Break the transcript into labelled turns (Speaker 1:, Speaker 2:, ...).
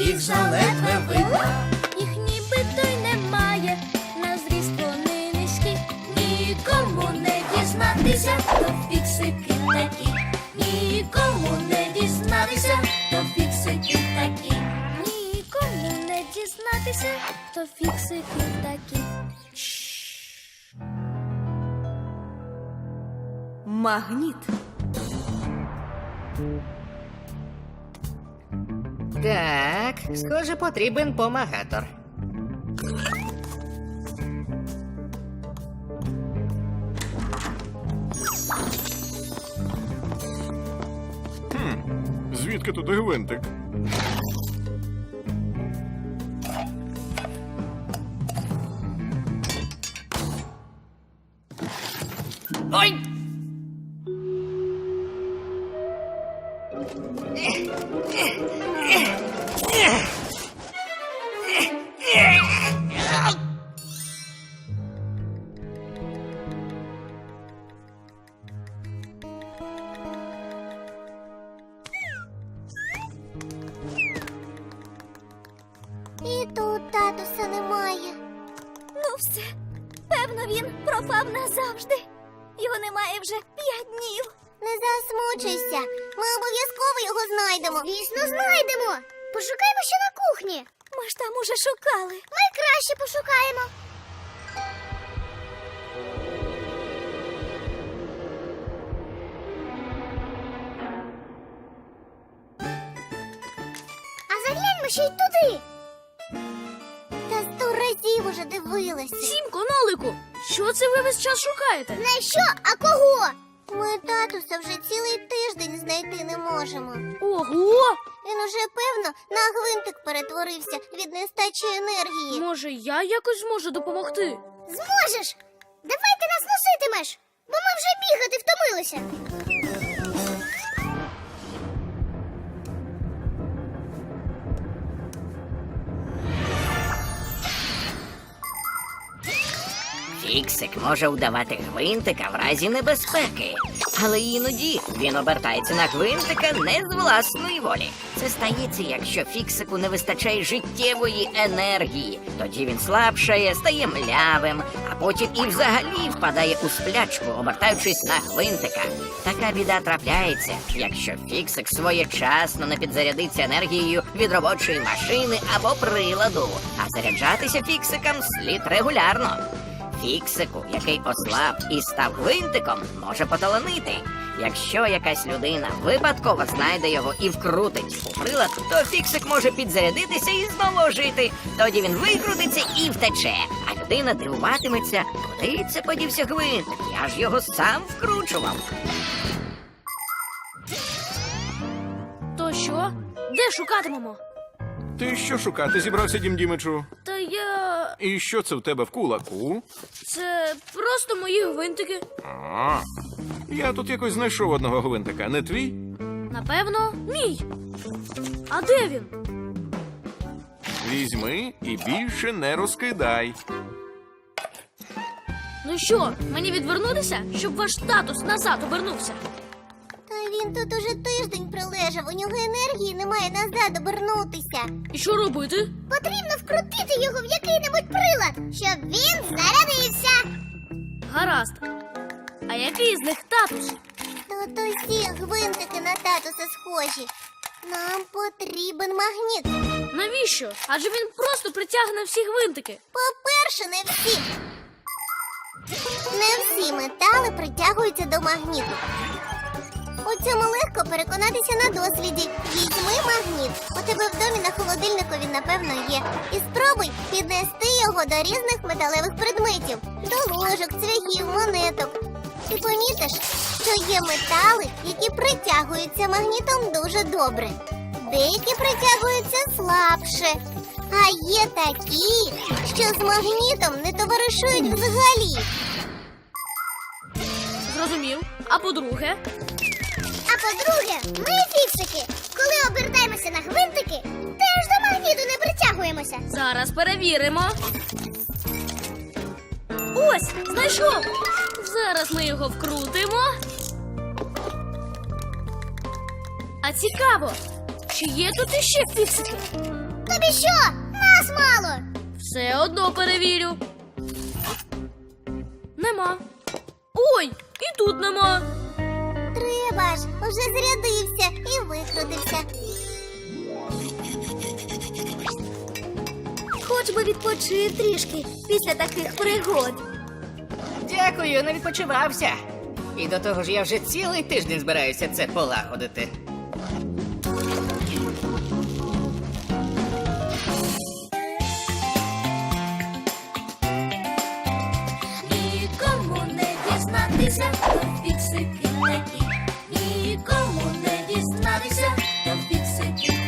Speaker 1: їх заледве видно.
Speaker 2: Їх нібито й немає, на зріст вони низькі.
Speaker 1: Нікому не дізнатися, то фіксики такі. Нікому не дізнатися, то фіксики такі.
Speaker 2: Нікому не дізнатися, то фіксики такі.
Speaker 3: Магніт.
Speaker 4: Так, схоже, потрібен помагатор.
Speaker 5: Звідки тут гвинтик?
Speaker 4: Ой!
Speaker 2: І тут татуса немає. Ну все, певно, він пропав назавжди. Його немає вже 5 днів. Не засмучуйся, ми обов'язково його знайдемо. Звісно, знайдемо. Пошукаємо ще на кухні. Ми ж там уже шукали. Ми краще пошукаємо. А загляньмо ще й туди. Та 100 разів уже дивилася.
Speaker 6: Сімко, Нолику, що це ви весь час шукаєте?
Speaker 2: Не що, а кого? Ми татуса вже цілий тиждень знайти не можемо.
Speaker 6: Ого!
Speaker 2: Він уже, певно, на гвинтик перетворився від нестачі енергії.
Speaker 6: Може, я якось зможу допомогти?
Speaker 2: Зможеш! Давай ти нас носитимеш, бо ми вже бігати втомилися.
Speaker 4: Фіксик може удавати гвинтика в разі небезпеки, але іноді він обертається на гвинтика не з власної волі. Це стається, якщо фіксику не вистачає життєвої енергії. Тоді він слабшає, стає млявим, а потім і взагалі впадає у сплячку, обертаючись на гвинтика. Така біда трапляється, якщо фіксик своєчасно не підзарядиться енергією від робочої машини або приладу. А заряджатися фіксикам слід регулярно. Фіксику, який ослаб і став гвинтиком, може поталанити. Якщо якась людина випадково знайде його і вкрутить у прилад, то фіксик може підзарядитися і знову жити. Тоді він викрутиться і втече. А людина дивуватиметься, куди це подівся гвинтик, я ж його сам вкручував.
Speaker 6: То що? Де шукатимемо?
Speaker 5: Ти що шукати зібрався, Дім Дімичу?
Speaker 6: Та я...
Speaker 5: І що це в тебе в кулаку?
Speaker 6: Це просто мої гвинтики.
Speaker 5: А, я тут якось знайшов одного гвинтика, не твій?
Speaker 6: Напевно, мій. А де він?
Speaker 5: Візьми і більше не розкидай.
Speaker 6: Ну що, мені відвернутися, щоб ваш татус назад обернувся?
Speaker 2: Та він тут уже тиждень пролежав, у нього енергії немає назад обернутися.
Speaker 6: І що робити?
Speaker 2: Потрібно вкрутити його в який-небудь прилад, щоб він зарядився.
Speaker 6: Гаразд. А який з них татус?
Speaker 2: Тут усі гвинтики на татуса схожі. Нам потрібен магніт.
Speaker 6: Навіщо? Адже він просто притягне всі гвинтики.
Speaker 2: По-перше, не всі. Не всі метали притягуються до магніту. У цьому легко переконатися на досліді. Візьми магніт. У тебе в домі на холодильнику він, напевно, є. І спробуй піднести його до різних металевих предметів. До ложок, цвяхів, монеток. Ти помітиш, що є метали, які притягуються магнітом дуже добре. Деякі притягуються слабше. А є такі, що з магнітом не товаришують взагалі.
Speaker 6: Зрозумів. А по-друге?
Speaker 2: А по-друге, ми, фіксики, коли обертаємося на гвинтики, теж до магніту не притягуємося.
Speaker 6: Зараз перевіримо. Ось, знайшов. Зараз ми його вкрутимо. А цікаво, чи є тут іще фіксики?
Speaker 2: Тобі що? Нас мало!
Speaker 6: Все одно перевірю. Нема. Ой, і тут нема.
Speaker 2: Треба ж, уже зарядився і викрутився. Хоч би відпочив трішки після таких пригод.
Speaker 4: Дякую, не відпочивався. І до того ж я вже цілий тиждень збираюся це полагодити.
Speaker 1: Нікому не дізнатися, то фіксики такі. Нікому не дізнатися, то фіксики